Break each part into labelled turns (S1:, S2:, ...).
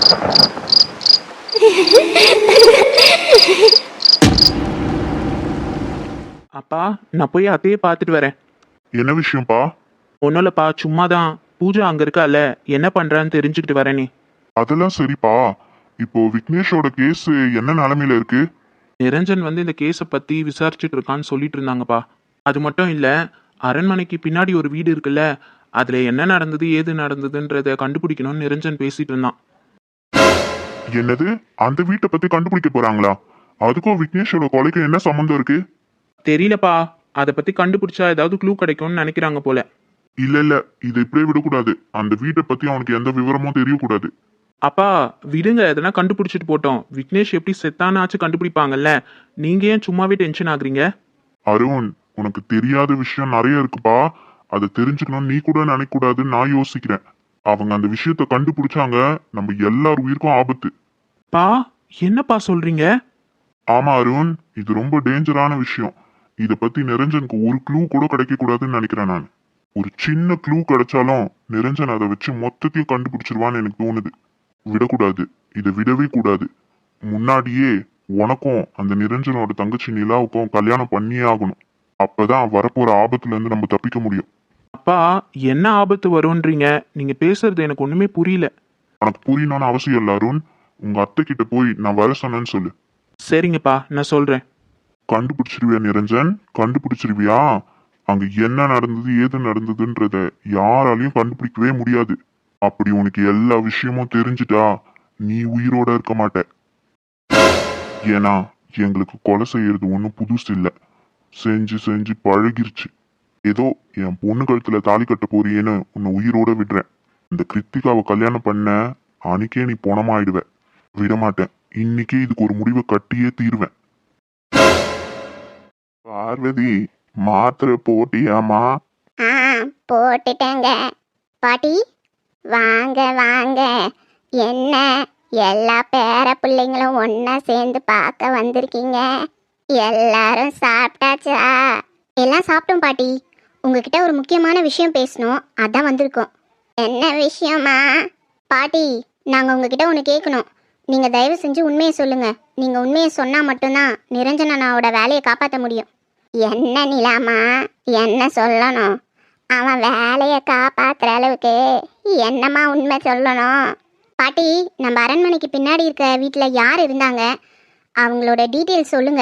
S1: அப்பா, நான் போய் அத்தையே பார்த்துட்டு வரேன்.
S2: என்ன விஷயம்ப்பா?
S1: ஒன்றும் இல்லைப்பா, சும்மா தான். பூஜா அங்கே இருக்கால, என்ன பண்ணுறான்னு தெரிஞ்சுக்கிட்டு வரேனே.
S2: அதெல்லாம் சரிப்பா. இப்போ விக்னேஷோட கேஸ் என்ன நிலைமையில இருக்கு?
S1: நிரஞ்சன் வந்து இந்த கேஸை பற்றி விசாரிச்சுட்டு இருக்கான்னு சொல்லிட்டு இருந்தாங்கப்பா. அது மட்டும் இல்லை, அரண்மனைக்கு பின்னாடி ஒரு வீடு இருக்குல்ல, அதில் என்ன நடந்தது ஏது நடந்ததுன்றத கண்டுபிடிக்கணும்னு நிரஞ்சன் பேசிட்டு இருந்தான்.
S2: என்னது? அந்த வீட்டை பத்தி கண்டுபிடிக்க போறாங்களா? அதுக்கும் விக்னேஷோட கொலைக்கு என்ன சம்மந்தம் இருக்கு?
S1: தெரியலப்பா, அதை பற்றி கண்டுபிடிச்சா ஏதாவது க்ளூ கிடைக்கும்னு நினைக்கிறாங்க போல.
S2: இல்ல, இது இப்படியே விடக்கூடாது. அந்த வீட்டை பத்தி அவனுக்கு எந்த விவரமும் தெரியக்கூடாது.
S1: அப்பா விடுங்க, எதனா கண்டுபிடிச்சிட்டு போட்டோம். விக்னேஷ் எப்படி செத்தானாச்சும் கண்டுபிடிப்பாங்கல்ல. நீங்க ஏன் சும்மாவே டென்ஷன் ஆகுறீங்க?
S2: அருண், உனக்கு தெரியாத விஷயம் நிறைய இருக்குப்பா. அதை தெரிஞ்சுக்கணும் நீ கூட நினைக்க கூடாதுன்னு நான் யோசிக்கிறேன். அவங்க அந்த விஷயத்த கண்டுபிடிச்சாங்க, நம்ம எல்லார் உயிருக்கும் ஆபத்து.
S1: பா, என்னப்பா சொல்றீங்க?
S2: ஆமா அருண், இது ரொம்ப டேஞ்சரான விஷயம். இத பத்தி நிரஞ்சனுக்கு ஒரு க்ளூ கூட கிடைக்க கூடாதுன்னு நினைக்கிறேன் நான். ஒரு சின்ன க்ளூ கிடைச்சாலும் நிரஞ்சன் அதை வச்சு மொத்தத்தையும் கண்டுபிடிச்சிருவான்னு எனக்கு தோணுது. விடக்கூடாது, இதை விடவே கூடாது. முன்னாடியே உனக்கும் அந்த நிரஞ்சனோட தங்கச்சி நிலாவுக்கும் கல்யாணம் பண்ணியே ஆகணும். அப்பதான் வரப்போற ஆபத்துல இருந்து நம்ம தப்பிக்க முடியும்.
S1: அப்பா, என்ன ஆபத்து வரும்ன்றீங்க? நீங்க பேசுறது எனக்கு ஒண்ணுமே புரியல.
S2: உனக்கு புரியணும்னு அவசியம் இல்ல அருண். உங்க அத்தை கிட்ட போய் நான் வர சொன்னேன்னு சொல்லு.
S1: சரிங்கப்பா, நான் சொல்றேன்.
S2: கண்டுபிடிச்சிருவியா நிரஞ்சன்? கண்டுபிடிச்சிருவியா? அங்க என்ன நடந்தது ஏது நடந்ததுன்றத யாராலையும் கண்டுபிடிக்கவே முடியாது. அப்படி உனக்கு எல்லா விஷயமும் தெரிஞ்சுட்டா நீ உயிரோட இருக்க மாட்ட. ஏன்னா எங்களுக்கு கொலை செய்யறது ஒன்றும் புதுசு இல்லை. செஞ்சு செஞ்சு பழகிருச்சு. ஏதோ என் பொண்ணு கழுத்துல தாலி கட்ட போறியேன்னு உன்னை உயிரோட விடுறேன். இந்த கிருத்திகாவை கல்யாணம் பண்ண அன்னைக்கே நீ பொணமாயிடுவ. விடமாட்டேன். இன்னைக்கே இதுக்கு ஒரு முடிவை கட்டியே தீருவேன். பார்வதி, மாத்திரை போட்டியாமா?
S3: போட்டுட்டேங்க. பாட்டி வாங்க வாங்க. என்ன எல்லா பேர பிள்ளைங்களும் ஒன்னா சேர்ந்து பார்க்க வந்திருக்கீங்க? எல்லாரும் சாப்பிட்டாச்சா? எல்லாம் சாப்பிட்டோம் பாட்டி. உங்ககிட்ட ஒரு முக்கியமான விஷயம் பேசணும், அதான் வந்திருக்கோம். என்ன விஷயமா? பாட்டி, நாங்கள் உங்ககிட்ட ஒன்று கேட்கணும். நீங்கள் தயவு செஞ்சு உண்மையை சொல்லுங்கள். நீங்கள் உண்மையை சொன்னால் மட்டும்தான் நிரஞ்சன் அண்ணாவோட வேலையை காப்பாற்ற முடியும். என்ன நிலாமா, என்ன சொல்லணும்? அவன் வேலையை காப்பாற்றுற அளவுக்கு என்னம்மா உண்மை சொல்லணும்? பாட்டி, நம்ம அரண்மனைக்கு பின்னாடி இருக்க வீட்டில் யார் இருந்தாங்க? அவங்களோட டீட்டெயில்ஸ் சொல்லுங்க.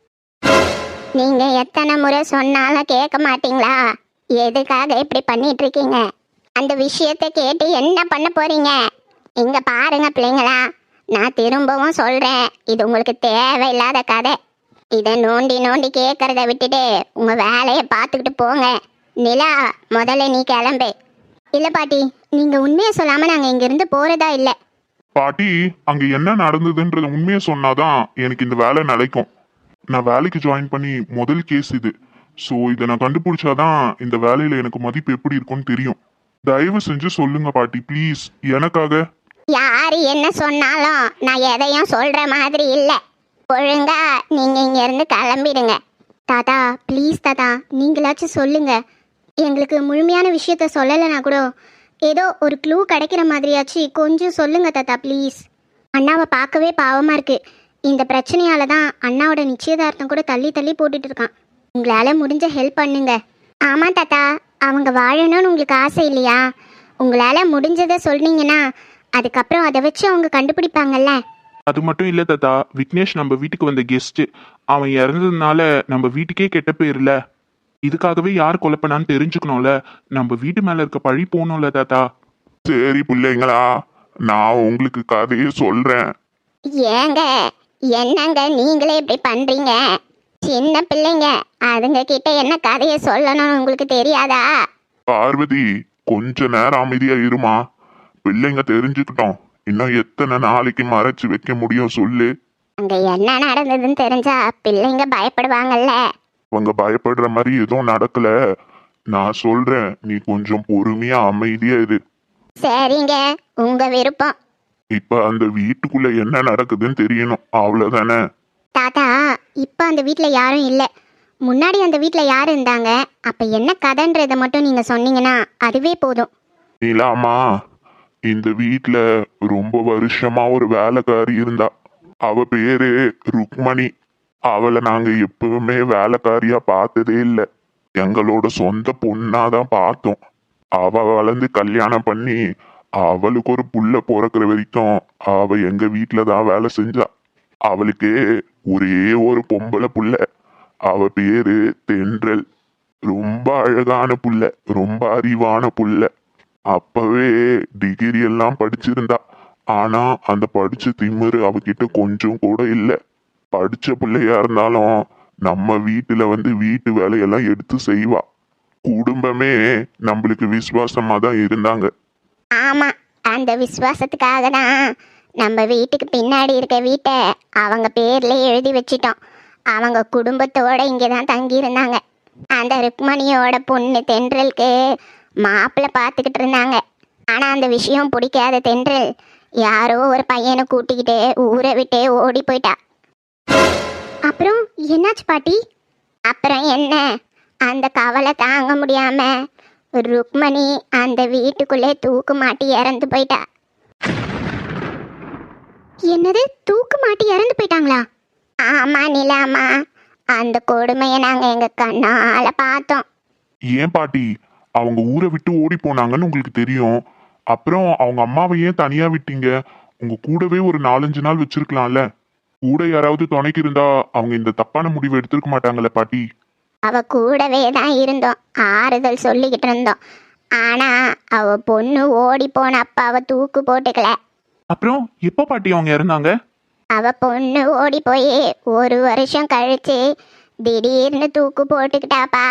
S3: நீங்கள் எத்தனை முறை சொன்னாலும் கேட்க மாட்டீங்களா? எதுக்காக இப்படி பண்ணிட்டு இருக்கீங்க? அந்த விஷயத்தை கேட்டு என்ன பண்ண போறீங்க? இங்க பாருங்க பிள்ளைங்களா, நான் திரும்பவும் சொல்றேன், இது உங்களுக்கு தேவையில்லாத கதை. இதை நோண்டி நோண்டி கேட்கறத விட்டுட்டு உங்க வேலையை பார்த்துக்கிட்டு போங்க. நிலா, முதல்ல நீ கிளம்பு. இல்ல பாட்டி, நீங்க உண்மையை சொல்லாம நாங்க இங்க இருந்து போறதா இல்ல.
S2: பாட்டி, அங்க என்ன நடந்ததுன்றத உண்மையை சொன்னாதான் எனக்கு இந்த வேலை நிலைக்கும். நான் வேலைக்கு ஜாயின் பண்ணி முதல் கேஸ் இது. ஸோ இதை நான் கண்டுபிடிச்சாதான் இந்த வேலையில எனக்கு மதிப்பு எப்படி இருக்கும்னு தெரியும். தயவு செஞ்சு சொல்லுங்க பாட்டி, ப்ளீஸ், எனக்காக.
S3: யாரு என்ன சொன்னாலும் நான் எதையும் சொல்ற மாதிரி இல்ல. ஒழுங்கா நீங்க இங்க இருந்து கிளம்பிடுங்க. தாத்தா ப்ளீஸ் தாத்தா, நீங்களாச்சும் சொல்லுங்க. எங்களுக்கு முழுமையான விஷயத்த சொல்லலைன்னா கூட ஏதோ ஒரு க்ளூ கிடைக்கிற மாதிரியாச்சு கொஞ்சம் சொல்லுங்க தாத்தா ப்ளீஸ். அண்ணாவை பார்க்கவே பாவமா இருக்கு. இந்த பிரச்சனையால தான் அண்ணாவோட நிச்சயதார்த்தம் கூட தள்ளி தள்ளி போட்டுட்டு இருக்கான். உங்களால முடிஞ்ச ஹெல்ப் பண்ணுங்க. ஆமா தாத்தா, அவங்க வாழணும்னு உங்களுக்கு ஆசை இல்லையா? உங்களால முடிஞ்சதை சொன்னீங்கன்னா அதுக்கப்புறம் அதை வச்சு அவங்க கண்டுபிடிப்பாங்கல்ல.
S1: அது மட்டும் இல்ல தாத்தா, விக்னேஷ் நம்ம வீட்டுக்கு வந்த கெஸ்ட். அவன் இறந்ததுனால நம்ம வீட்டுக்கே கெட்ட போயிருல. இதுக்காகவே யார் கொலை பண்ணான்னு தெரிஞ்சுக்கணும்ல. நம்ம வீட்டு மேல இருக்க பழி போகணும்ல தாத்தா.
S2: சரி பிள்ளைங்களா, நான் உங்களுக்கு கதையை சொல்றேன்.
S3: ஏங்க என்னங்க நீங்களே இப்படி பண்றீங்க? சின்ன பிள்ளைங்க, அதுங்க கிட்ட என்ன கதையை சொல்லணும்னு உங்களுக்கு தெரியாதா?
S2: பார்வதி, கொஞ்ச நேரம் அமைதியா இருமா. பிள்ளைங்க தெரிஞ்சுக்கிட்டோம். இன்னும் எத்தனை நாளைக்கு மறைச்சு வைக்க முடியும் சொல்லு?
S3: அங்க என்ன நடந்ததுன்னு தெரிஞ்சா பிள்ளைங்க பயப்படுவாங்கல்ல.
S2: அவங்க பயப்படுற மாதிரி எதுவும் நடக்கல. நான் சொல்றேன், நீ கொஞ்சம் பொறுமையா அமைதியா இரு.
S3: சரிங்க, உங்க விருப்பம்.
S2: இப்ப அந்த வீட்டுக்குள்ள என்ன நடக்குதுன்னு தெரியணும், அவ்வளவுதானே?
S3: தாத்தா, இப்ப அந்த வீட்ல யாரும் இல்ல. முன்னாடி அந்த வீட்ல யார் இருந்தாங்க? அப்ப என்ன கதைன்றதை மட்டும் நீங்க சொன்னீங்கன்னா அதுவே போதும்.
S2: நீலாமா, இந்த வீட்ல ரொம்ப வருஷமா ஒரு வேலைக்காரி இருந்தா. அவ பேரு ருக்மணி. அவளை நாங்க எப்பவுமே வேலைக்காரியா பார்த்ததே இல்ல. எங்களோட சொந்த பொண்ணாதான் பார்த்தோம். அவ வளர்ந்து கல்யாணம் பண்ணி அவளுக்கு ஒரு புள்ள பிறக்கிற வரைக்கும் அவ எங்க வீட்டுல தான் வேலை செஞ்சா. அவளுக்கு ஒரே ஒரு பொம்பளை புள்ள. அவ பேரு தென்றல். ரொம்ப அழகான புள்ள, ரொம்ப அறிவான புள்ள. அப்பவே டிகிரி எல்லாம் படிச்சிருந்தா. ஆனா அந்த படிச்ச திமிரு அவகிட்ட கொஞ்சம் கூட இல்ல. படிச்ச பிள்ளையா இருந்தாலும் நம்ம வீட்டுல வந்து வீட்டு வேலையெல்லாம் எடுத்து செய்வா. குடும்பமே நம்மளுக்கு விசுவாசமா தான் இருந்தாங்க.
S3: ஆமா, அந்த விசுவாசத்துக்காக தான் நம்ம வீட்டுக்கு பின்னாடி இருக்க வீட்டை அவங்க பேர்ல எழுதி வச்சிட்டோம். அவங்க குடும்பத்தோட இங்கே தான் தங்கியிருந்தாங்க. அந்த ருக்மணியோட பொண்ணு தென்றலுக்கு மாப்பிள்ளை பார்த்துக்கிட்டு இருந்தாங்க. ஆனால் அந்த விஷயம் பிடிக்காத தென்றல் யாரோ ஒரு பையனை கூட்டிக்கிட்டு ஊரை விட்டே ஓடி போயிட்டா. அப்புறம் என்னாச்சு பாட்டி? அப்புறம் என்ன, அந்த கவலை தாங்க முடியாம ருக்மணி அந்த வீட்டுக்குள்ளே தூக்கு மாட்டி இறந்து போயிட்டா. என்னது, தூக்கு மாட்டி இறந்து போயிட்டாங்களா? ஆமா நிலாமா, அந்த கொடுமையை நாங்க எங்க கண்ணால பார்த்தோம்.
S2: ஏன் பாட்டி, அவங்க ஊரை விட்டு ஓடி போனாங்கன்னு உங்களுக்கு தெரியும். அப்புறம் அவங்க அம்மாவை ஏன் தனியா விட்டீங்க? உங்க கூடவே ஒரு 4-5 நாள் வச்சிருக்கலாம்ல. கூட யாராவது துணைக்கு இருந்தா அவங்க இந்த தப்பான முடிவை எடுத்திருக்க மாட்டாங்கல்ல பாட்டி.
S3: அவ கூடவே தான் இருந்தோம், ஆறுதல் சொல்லிக்கிட்டு இருந்தோம். ஆனா அவ பொண்ணு ஓடி போன அப்பாவை தூக்கு போட்டுக்கல.
S1: அப்புறம் எப்போ பாட்டி அவங்க இறந்தாங்க?
S3: அவ பொண்ணு ஓடி போய் 1 வருஷம் கழிச்சு திடீர்னு தூக்கு போட்டுக்கிட்டாப்பா.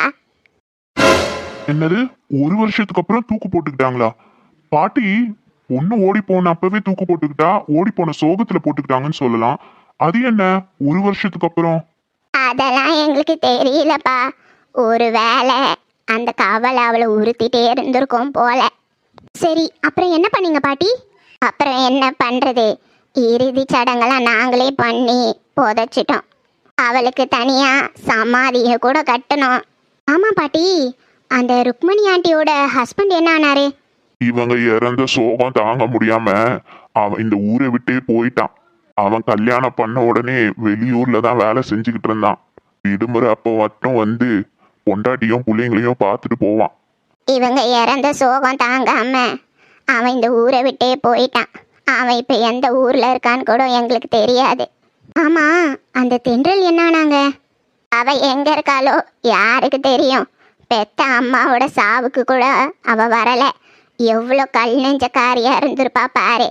S2: என்னது, 1 வருஷத்துக்கு அப்புறம் தூக்கு போட்டுக்கிட்டாங்களா? பாட்டி, பொண்ணு ஓடி போன அப்பவே தூக்கு போட்டுக்கிட்டா, ஓடி போன சோகத்துல போட்டுக்கிட்டாங்கன்னு சொல்லலாம். அது என்ன 1 வருஷத்துக்கு அப்புறம்?
S3: அதெல்லாம் எங்களுக்கு தெரியலப்பா. ஒருவேளை அந்த கவலை அவளை உறுத்திட்டே இருந்திருக்கும் போல. சரி, அப்புறம் என்ன பண்ணீங்க பாட்டி? அப்புறம் என்ன பண்றது, இறுதி சடங்கெல்லாம் நாங்களே பண்ணி புதைச்சிட்டோம். அவளுக்கு தனியா சமாதியை கூட கட்டணும். ஆமா பாட்டி, அந்த ருக்மணி ஆண்டியோட ஹஸ்பண்ட் என்ன ஆனாரு?
S2: இவங்க இறந்த சோகம் தாங்க முடியாம அவன் இந்த ஊரை விட்டே போயிட்டான். அவன் கல்யாணம் பண்ண உடனே வெளியூர்ல தான் வேலை செஞ்சுக்கிட்டு இருந்தான். விடுமுறை அப்போ மட்டும் வந்து பொண்டாட்டியும் பிள்ளைங்களையும் பார்த்துட்டு போவான்.
S3: இவங்க இறந்த சோகம் தாங்காம அவன் இந்த ஊரை விட்டே போயிட்டான். அவன் இப்ப எந்த ஊர்ல இருக்கான்னு கூட எங்களுக்கு தெரியாது. ஆமா, அந்த தென்றல் என்னானாங்க? அவ எங்க இருக்காளோ யாருக்கு தெரியும். பெத்த அம்மாவோட சாவுக்கு கூட அவ வரல. எவ்வளோ கல் நெஞ்சக்காரியா இருந்திருப்பா பாரு.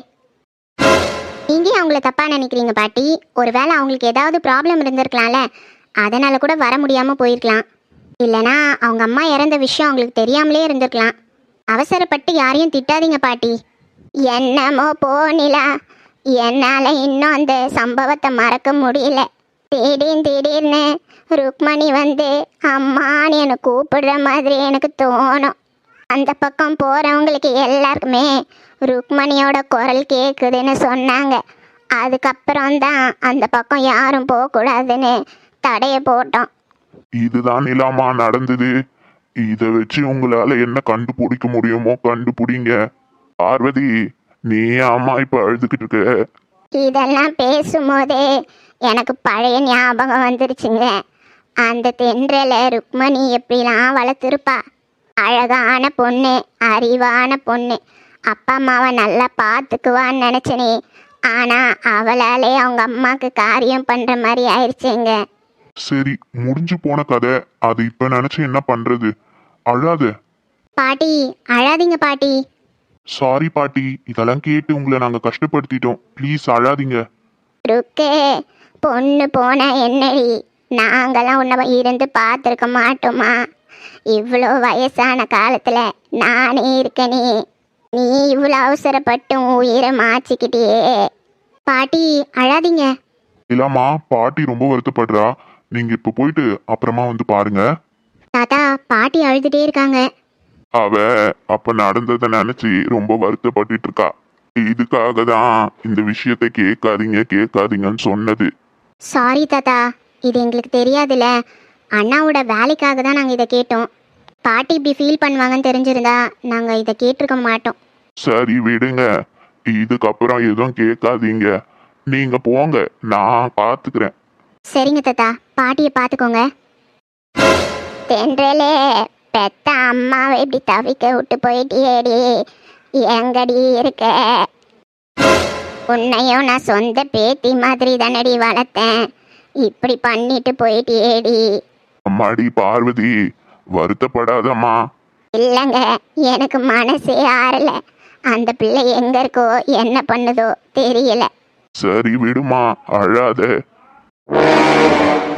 S3: நீங்க அவங்கள தப்பா நினைக்கிறீங்க பாட்டி. ஒருவேளை அவங்களுக்கு ஏதாவது ப்ராப்ளம் இருந்திருக்கலாம்ல, அதனால கூட வர முடியாம போயிருக்கலாம். இல்லைனா அவங்க அம்மா இறந்த விஷயம் அவங்களுக்கு தெரியாமலே இருந்திருக்கலாம். அவசரப்பட்டு யாரையும் திட்டாதீங்க பாட்டி. என்னமோ போனிலா, என்னால இன்னும் அந்த சம்பவத்தை மறக்க முடியல. திடீர்னு ருக்மணி வந்து அம்மான்னு என்னை கூப்பிடுற மாதிரி எனக்கு தோணும். அந்த பக்கம் போறவங்களுக்கு எல்லாருக்குமே ருக்மணியோட குரல் கேட்குதுன்னு சொன்னாங்க. அதுக்கப்புறம் தான் அந்த பக்கம் யாரும் போகக்கூடாதுன்னு தடைய போட்டோம்.
S2: இதுதான் நிலாமா நடந்தது. இத வச்சு உங்களால என்ன கண்டுபிடிக்க முடியுமோ கண்டுபிடிங்க. பார்வதி, நீ அம்மா இப்ப அழுதுகிட்டு இருக்க?
S3: இதெல்லாம் பேசும்போதே எனக்கு பழைய ஞாபகம் வந்துருச்சுங்க. அந்த தென்றல ருக்மணி எப்படிலாம் வளர்த்துருப்பா. அழகான பொண்ணு, அறிவான பொண்ணு, அப்பா அம்மாவை நல்லா பார்த்துக்குவான்னு நினச்சனே. ஆனால் அவளாலே அவங்க அம்மாவுக்கு காரியம் பண்ணுற மாதிரி ஆயிடுச்சுங்க.
S2: சரி, முடிஞ்சு போன கதை. அது இப்ப நினைச்சு என்ன பண்றது? அழாத
S3: பாட்டி, அழாதீங்க பாட்டி.
S2: சாரி பாட்டி, இதெல்லாம் கேட்டு உங்களை நாங்க கஷ்டப்படுத்திட்டோம். ப்ளீஸ் அழாதீங்க.
S3: ருக்கு, பொண்ணு போன என்னடி, நாங்களாம் உன்னை இருந்து பார்த்துருக்க மாட்டோமா? இவ்வளோ வயசான காலத்தில் நானே இருக்கனே, நீ இவ்வளோ அவசரப்பட்டு உன் உயிரை மாச்சிக்கிட்டியே. பாட்டி அழாதீங்க.
S2: இல்லாமா, பாட்டி ரொம்ப வருத்தப்படுறா. நீங்க இப்ப போயிட்டு அப்புறமா வந்து பாருங்க.
S3: தாத்தா, பாட்டி அழுதுட்டே இருக்காங்க.
S2: அவ அப்ப நடந்ததை நினைச்சு ரொம்ப வருத்தப்பட்டுட்டு இருக்கா. இதுக்காக தான் இந்த விஷயத்தை கேட்காதீங்கன்னு சொன்னது.
S3: சாரி தாத்தா, இது எங்களுக்கு தெரியாதுல்ல. அண்ணாவோட வேலைக்காக தான் நாங்கள் இதை கேட்டோம். பாட்டி இப்படி ஃபீல் பண்ணுவாங்கன்னு தெரிஞ்சிருந்தா நாங்கள் இதை கேட்டிருக்க மாட்டோம்.
S2: சரி விடுங்க, இதுக்கப்புறம் எதுவும் கேட்காதீங்க. நீங்க போங்க, நான் பாத்துக்கிறேன்.
S3: சரிங்க தாத்தா, பாட்டியை பார்த்துக்கோங்க. தென்றலே, பெத்த அம்மாவை இப்படி தவிக்க விட்டு போயிட்டியேடி, எங்கடி இருக்க? உன்னையும் நான் சொந்த பேத்தி மாதிரி தானடி வளர்த்தேன், இப்படி பண்ணிட்டு போயிட்டியேடி.
S2: அம்மாடி பார்வதி, வருத்தப்படாதம்மா.
S3: இல்லைங்க, எனக்கு மனசே ஆறல. அந்த பிள்ளை எங்க இருக்கோ என்ன பண்ணுதோ தெரியல.
S2: சரி விடுமா, அழாத.